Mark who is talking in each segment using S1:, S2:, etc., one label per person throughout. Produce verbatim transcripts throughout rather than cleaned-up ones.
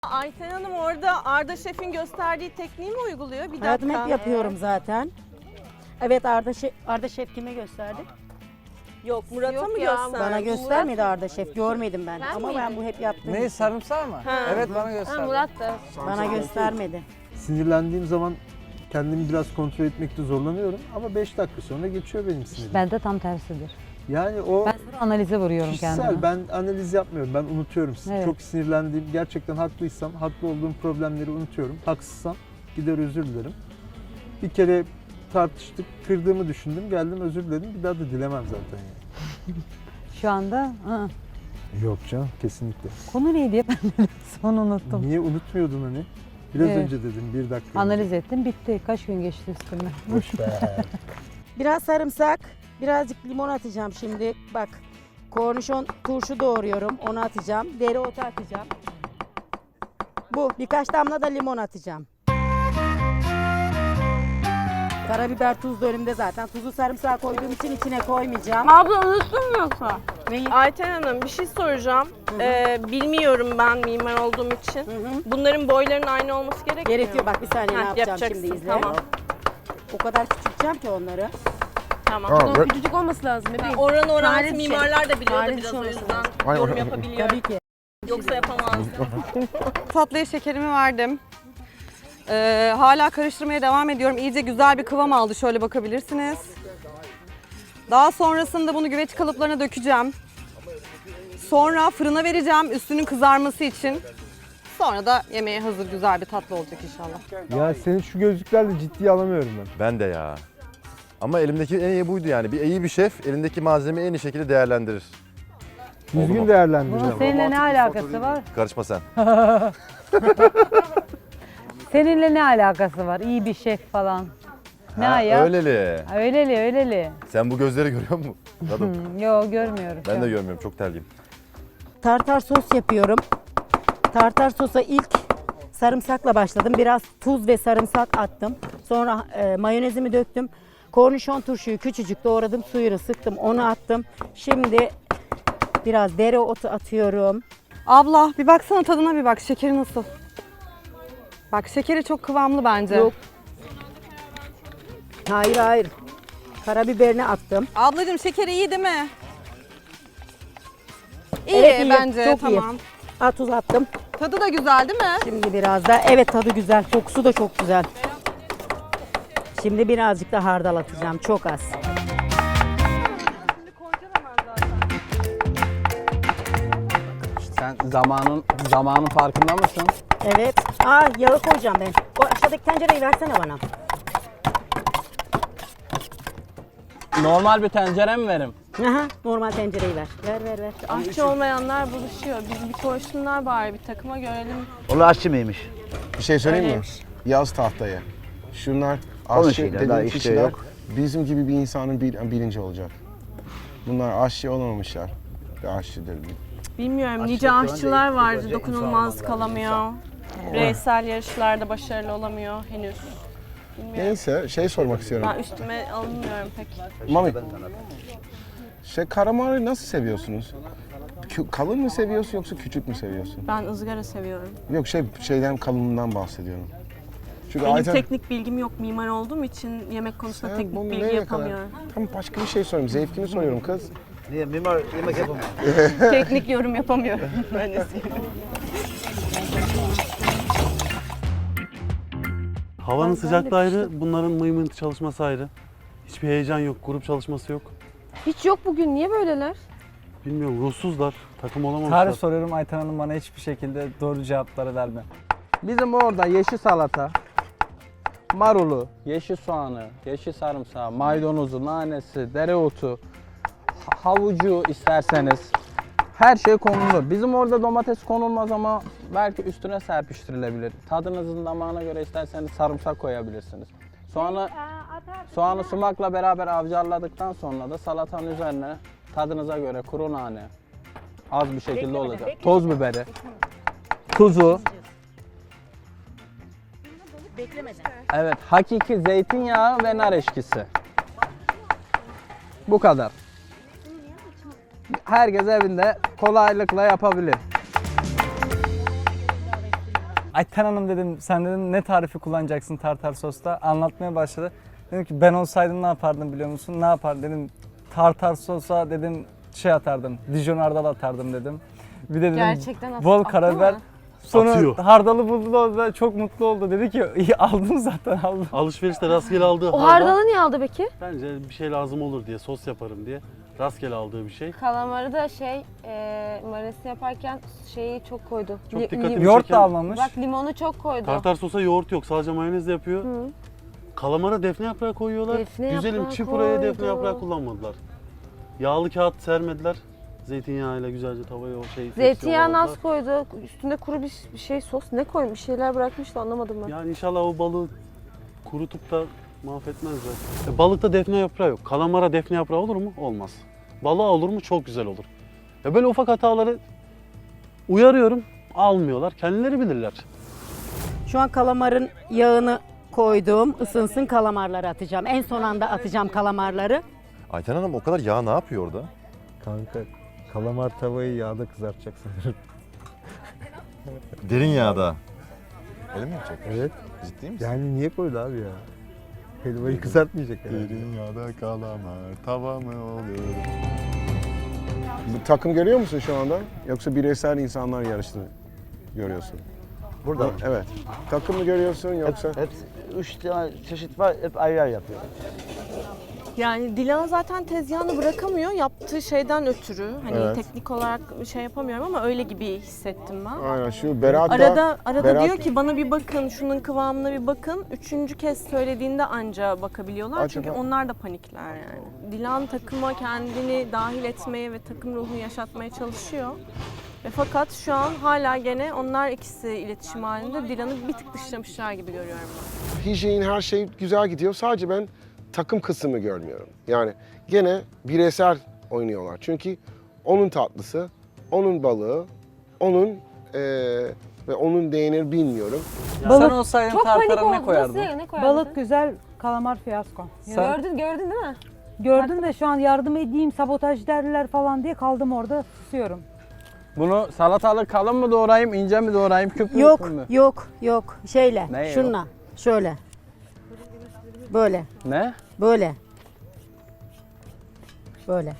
S1: Ayten Hanım orada Arda Şef'in gösterdiği tekniği mi uyguluyor? Bir dakika.
S2: Hayatım hep yapıyorum zaten. Evet, Arda Şef, Arda Şef kime gösterdi?
S1: Yok, Murat'a
S3: Yok
S1: mı
S3: ya,
S1: gösterdi?
S2: Bana göstermedi Arda Şef, görmedim ben.
S3: Sen
S2: Ama
S3: miydin?
S2: ben bu hep yaptığım
S4: Ne,
S2: için.
S4: sarımsağı mı?
S1: Ha.
S4: Evet, bana
S3: Ha,
S4: göster.
S3: Murat da.
S2: Bana göstermedi.
S5: Sinirlendiğim zaman kendimi biraz kontrol etmekte zorlanıyorum ama beş dakika sonra geçiyor benim sinirim.
S6: Bende tam tersidir.
S5: Yani o
S6: Ben sonra analize vuruyorum
S5: kişisel,
S6: kendimi.
S5: ben analiz yapmıyorum, ben unutuyorum.
S6: Evet.
S5: Çok sinirlendiğim, gerçekten haklıysam, haklı olduğum problemleri unutuyorum. Haksızsam gider özür dilerim. Bir kere tartıştık, kırdığımı düşündüm, geldim özür diledim. Bir daha da dilemem zaten yani.
S6: Şu anda ı,
S5: Yok canım, kesinlikle.
S6: konu neydi ya, ben de son unuttum.
S5: Niye unutmuyordun hani? Biraz
S6: Evet.
S5: önce dedim, bir dakika önce.
S6: Analiz ettim, bitti. Kaç gün geçti üstünden.
S5: Boş ver.
S2: Biraz sarımsak, birazcık limon atacağım şimdi. Bak, kornişon turşu doğruyorum, onu atacağım. Dereotu atacağım. Bu, birkaç damla da limon atacağım. Karabiber, tuz da önümde zaten. Tuzu sarımsağı koyduğum için içine koymayacağım.
S3: Abla unuttun mu yoksa?
S2: Neyi?
S1: Ayten Hanım bir şey soracağım. Ee, bilmiyorum ben mimar olduğum için.
S2: Hı hı.
S1: Bunların boylarının aynı olması gerekmiyor.
S2: Gerekiyor, bak bir saniye ne
S1: Heh,
S2: yapacağım
S1: yapacaksın,
S2: şimdi izle.
S1: tamam.
S2: O kadar küçülteceğim ki onları.
S1: Tamam.
S3: Bunun küçücük olması lazım bebeğim.
S1: Oran orantı
S3: Tarih bir şey.
S1: mimarlar da biliyordu
S3: Tarih bir
S1: biraz
S3: şey
S1: o
S3: olması
S1: yüzden yorum yapabiliyor.
S2: Tabii ki.
S1: Yoksa yapamazdı.
S7: Tatlıya şekerimi verdim. Ee, hala karıştırmaya devam ediyorum. İyice güzel bir kıvam aldı. Şöyle bakabilirsiniz. Daha sonrasında bunu güveç kalıplarına dökeceğim. Sonra fırına vereceğim üstünün kızarması için. Sonra da yemeğe hazır güzel bir tatlı olacak inşallah.
S5: Ya seni şu gözlüklerle ciddiye alamıyorum ben.
S8: Ben de ya. Ama elimdeki en iyi buydu yani. Bir iyi bir şef elindeki malzemeyi en iyi şekilde değerlendirir. Oldu
S5: Düzgün
S8: mu?
S5: değerlendireceğim.
S6: Bunun seninle ne alakası var?
S8: Karışma sen.
S6: Seninle ne alakası var? İyi bir şef falan. Ne
S8: Ha,
S6: ayak?
S8: öyleli.
S6: Öyleli, öyleli.
S8: Sen bu gözleri görüyor musun? Tadım.
S6: Yo, görmüyorum.
S8: Ben de görmüyorum. Çok terliyim.
S2: Tartar sos yapıyorum. Tartar sosa ilk sarımsakla başladım. Biraz tuz ve sarımsak attım. Sonra e, mayonezimi döktüm. Kornişon turşuyu küçücük doğradım. Suyunu sıktım. Onu attım. Şimdi biraz dereotu atıyorum.
S7: Abla bir baksana tadına bir bak. Şekeri nasıl? Bak şekeri çok kıvamlı bence.
S2: Yok. Hayır hayır. Karabiberini attım.
S7: Ablacığım şekeri iyi değil mi? İyi
S2: Evet, iyi.
S7: bence.
S2: Çok iyi.
S7: tamam.
S2: Ha, tuz attım.
S7: Tadı da güzel değil mi?
S2: Şimdi biraz da evet tadı güzel. Kokusu da çok güzel. Şimdi birazcık da hardal atacağım. Çok az.
S4: Sen zamanın zamanın farkında mısın?
S2: Evet. Aa, yağı koyacağım ben. O aşağıdaki tencereyi versene bana.
S4: Normal bir tencere mi verim?
S2: Aha, normal tencereyi ver. Ver ver ver.
S1: Aşçı olmayanlar buluşuyor. Biz bir koşsunlar bari bir takıma görelim.
S9: Onlar aşçı mıymış?
S10: Bir şey söyleyeyim mi?
S1: Öyleymiş.
S10: Yaz tahtaya. Şunlar
S9: Onun
S10: aşçı
S9: şeyler, daha
S10: dediğim
S9: işte
S10: kişiler
S9: yok.
S10: bizim gibi bir insanın bil- bilinci olacak. Bunlar aşçı olamamışlar. Bir aşçıdır.
S1: Bilmiyorum
S9: Aşçı
S1: nice
S9: şu an
S1: aşçılar
S9: değil,
S1: var
S9: önce
S1: dokunulmaz
S9: insan
S1: kalamıyor. Bireysel yarışlarda başarılı olamıyor henüz. Bilmiyorum.
S10: Neyse şey sormak istiyorum.
S1: Ben üstüme alınmıyorum pek.
S10: Mami, şey karamarı nasıl seviyorsunuz? Kü- kalın mı seviyorsun yoksa küçük mü seviyorsun?
S1: Ben ızgara seviyorum.
S10: Yok şey şeyden kalınından bahsediyorum. Çünkü
S1: Benim
S10: Ayten-
S1: teknik bilgim yok mimar olduğum için yemek konusunda
S10: Sen
S1: teknik
S10: bunu
S1: bilgi
S10: nereye
S1: yapamıyorum.
S10: kadar- Tam başka bir şey soruyorum. Zevkini soruyorum kız.
S9: Niye? Mimar yemek yapamıyor.
S1: Teknik yorum yapamıyorum. Öyle söyleyeyim.
S11: Havanın sıcaklığı ayrı, bunların mıymıntı çalışması ayrı. Hiçbir heyecan yok, grup çalışması yok.
S3: Hiç yok bugün. Niye böyleler?
S11: Bilmiyorum, ruhsuzlar, takım olamamışlar.
S4: Tarih soruyorum, Ayten Hanım bana hiçbir şekilde doğru cevapları verme. Bizim orada yeşil salata, marulu, yeşil soğanı, yeşil sarımsağı, maydanozu, nanesi, dereotu, ha- havucu isterseniz her şey konulur. Bizim orada domates konulmaz ama belki üstüne serpiştirilebilir. Tadınızın damağına göre isterseniz sarımsak koyabilirsiniz. Soğanı, soğanı sumakla beraber avcarladıktan sonra da salatanın üzerine tadınıza göre kuru nane, az bir şekilde olacak. Toz biberi, tuzu.
S2: Beklemeden.
S4: Evet, hakiki zeytinyağı ve nar eşkisi. Bu kadar. Herkes evinde kolaylıkla yapabilir. Ayten Hanım dedim, sen dedim ne tarifi kullanacaksın tartar sosta? Anlatmaya başladı. Dedim ki ben olsaydım ne yapardım biliyor musun? Ne yapardım dedim. Tartar sosa dedim şey atardım. Dijon hardal atardım dedim. Bir de dedim
S3: Gerçekten at-
S4: bol
S3: attı
S4: karabiber.
S3: mı?
S4: Sonra
S11: Atıyor.
S4: hardalı buldu da da çok mutlu oldu. Dedi ki iyi aldım zaten aldım.
S11: Alışverişte rastgele aldığı
S3: O
S11: hardal,
S3: hardalı niye aldı peki?
S11: bence bir şey lazım olur diye, sos yaparım diye rastgele aldığı bir şey.
S3: Kalamarı da şey e, marinesi yaparken şeyi çok koydu.
S11: Çok
S3: Li-
S11: dikkatimi
S3: lim-
S4: Yoğurt
S11: çeken-
S4: da almamış.
S3: Bak limonu çok koydu.
S11: Tartar sosa yoğurt yok, sadece mayonezle yapıyor.
S3: Hı.
S11: Kalamara defne yaprağı koyuyorlar.
S3: Defne
S11: Güzelim
S3: yaprağı
S11: çipuraya defne
S3: koydu.
S11: yaprağı kullanmadılar. Yağlı kağıt sermediler. Zeytinyağıyla güzelce tavaya o şey
S3: Zeytinyağı
S11: tepsiye
S3: az koydu. Üstünde kuru bir, bir şey sos ne koymuş? Bir şeyler bırakmış da anlamadım ben.
S11: Yani inşallah o balığı kurutup da mahvetmezler. E, balıkta defne yaprağı yok. Kalamara defne yaprağı olur mu? Olmaz. Balığa olur mu? Çok güzel olur. Ya böyle ufak hataları uyarıyorum, almıyorlar. Kendileri bilirler.
S2: Şu an kalamarın yağını koydum. Isınsın, kalamarları atacağım. En son anda atacağım kalamarları.
S8: Ayten Hanım o kadar yağ ne yapıyor orada?
S5: Kanka kalamar tavayı yağda kızartacak sanırım.
S8: Derin yağda. Öyle mi yapacak?
S5: Evet.
S8: Ciddi misin?
S5: Yani niye koydu abi ya? Helvayı kızartmayacak herhalde.
S8: Derin yağda kalamar tava mı olur?
S10: Bu takım görüyor musun şu anda? Yoksa bireysel insanlar yarıştığını görüyorsun?
S9: Burada.
S10: Evet. Takım mı görüyorsun yoksa?
S9: Hep üç tane çeşit var, hep ayrı ayrı yapıyor.
S1: Yani Dilan zaten tezgahını bırakamıyor yaptığı şeyden ötürü. Hani
S10: Evet.
S1: teknik olarak şey yapamıyorum ama öyle gibi hissettim ben.
S10: Aynen şu Berat da-
S1: Arada arada
S10: Berat-
S1: diyor ki bana bir bakın, şunun kıvamına bir bakın. Üçüncü kez söylediğinde anca bakabiliyorlar.
S10: Acaba-
S1: Çünkü onlar da panikler yani. Dilan takıma kendini dahil etmeye ve takım ruhunu yaşatmaya çalışıyor. Ve fakat şu an hala gene onlar ikisi iletişim halinde Dilan'ı bir tık dışlamışlar gibi görüyorum ben.
S10: hijyen her şey güzel gidiyor. Sadece ben takım kısmı görmüyorum. Yani gene bireysel oynuyorlar. Çünkü onun tatlısı, onun balığı, onun eee ve onun değerini bilmiyorum.
S4: Sen olsaydın
S3: Çok panik
S4: tartara
S3: oldu.
S4: ne koyardın?
S3: Nasıl, ne koyardın?
S6: Balık güzel, kalamar fiyasko.
S4: Sen-
S3: Gördün, gördün değil mi?
S6: Gördün de şu an yardım edeyim, sabotaj derler falan diye kaldım orada, susuyorum.
S4: Bunu salatalık kalın mı doğrayayım, ince mi doğrayayım, küp mü
S2: Yok,
S4: mü?
S2: yok, yok. Şeyle,
S4: Ne yok?
S2: şunla, şöyle. Böyle,
S4: Ne?
S2: böyle. Böyle.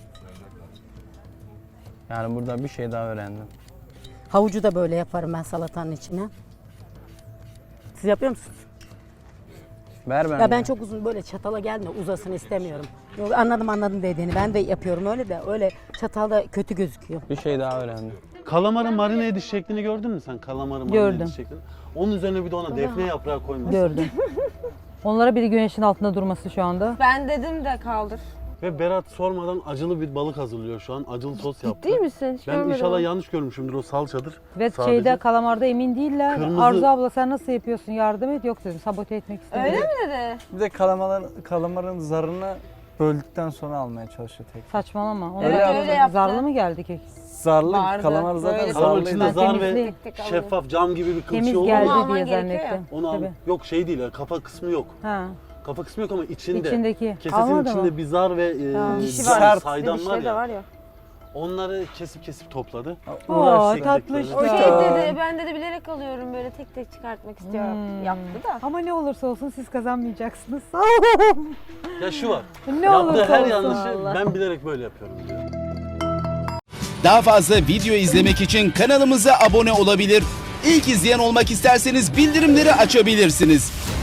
S4: Yani burada bir şey daha öğrendim.
S2: Havucu da böyle yaparım ben salatanın içine. Siz yapıyor musunuz?
S4: Ver ben.
S2: Ya ben çok uzun böyle çatala gelme, uzasın istemiyorum. Yok, anladım anladım dediğini. Ben de yapıyorum öyle de öyle çatalda kötü gözüküyor.
S4: Bir şey daha öğrendim.
S11: Kalamarın marine ediş şeklini gördün mü sen? Kalamarın marine
S6: Gördüm.
S11: ediş şeklini. Onun üzerine bir de ona defne yaprağı koyması.
S6: Gördüm. Onlara biri güneşin altında durması şu anda.
S3: Ben dedim de kaldır.
S11: Ve Berat sormadan acılı bir balık hazırlıyor şu an. Acılı sos yaptı.
S3: Değil misin? Hiç
S11: Ben
S3: görmedim
S11: inşallah
S3: onu.
S11: yanlış görmüşümdür, o salçadır.
S6: Ve
S11: Sadece.
S6: şeyde kalamarda emin değiller.
S11: Kırmızı-
S6: Arzu abla sen nasıl yapıyorsun, yardım et. Yok dedim, sabote etmek istemiyorum.
S3: Öyle mi dedi?
S4: Bir de kalamarın, kalamarın zarını böldükten sonra almaya çalışıyor tek.
S6: Saçmalama. Ona
S3: Evet,
S6: da-
S3: öyle yaptı.
S6: Zarlı mı geldi kek?
S4: Zarlı,
S3: Vardı,
S4: kalamar zaten
S3: böyle
S11: Kalamar
S4: zarlıydı.
S11: içinde
S6: Ben
S11: zar ve
S6: temizleyeyim.
S3: Tek tek alıyor.
S11: şeffaf cam gibi bir
S6: Temiz
S11: kılçığı olur
S6: geldi
S11: mu?
S3: alman
S6: diye
S3: gerekiyor ya.
S6: zannettim.
S11: Onu al.
S6: Tabii.
S11: Yok şey değil, yani kafa kısmı yok.
S6: Ha.
S11: Kafa kısmı yok ama içinde.
S6: İçindeki.
S11: Kesesinin
S6: Almadı
S11: içinde
S6: mı?
S11: bir zar ve e,
S6: Tamam.
S3: Dişi
S11: zar,
S3: var.
S11: saydam
S3: Dişleri
S11: var
S3: de
S11: ya.
S3: var ya.
S11: Onları kesip kesip topladı.
S6: Oo,
S4: Uğraştık.
S6: tatlış
S3: O şey
S6: ya.
S3: dedi, ben dedi bilerek alıyorum böyle tek tek çıkartmak istiyorum.
S6: Hmm.
S3: Yaptı da.
S6: Ama ne olursa olsun siz kazanmayacaksınız.
S11: Ya şu var.
S6: ne
S11: Yaptığı
S6: olursa
S11: her
S6: olsun.
S11: yanlışı
S3: Allah.
S11: ben bilerek böyle yapıyorum diyor.
S12: Daha fazla video izlemek için kanalımıza abone olabilir. İlk izleyen olmak isterseniz bildirimleri açabilirsiniz.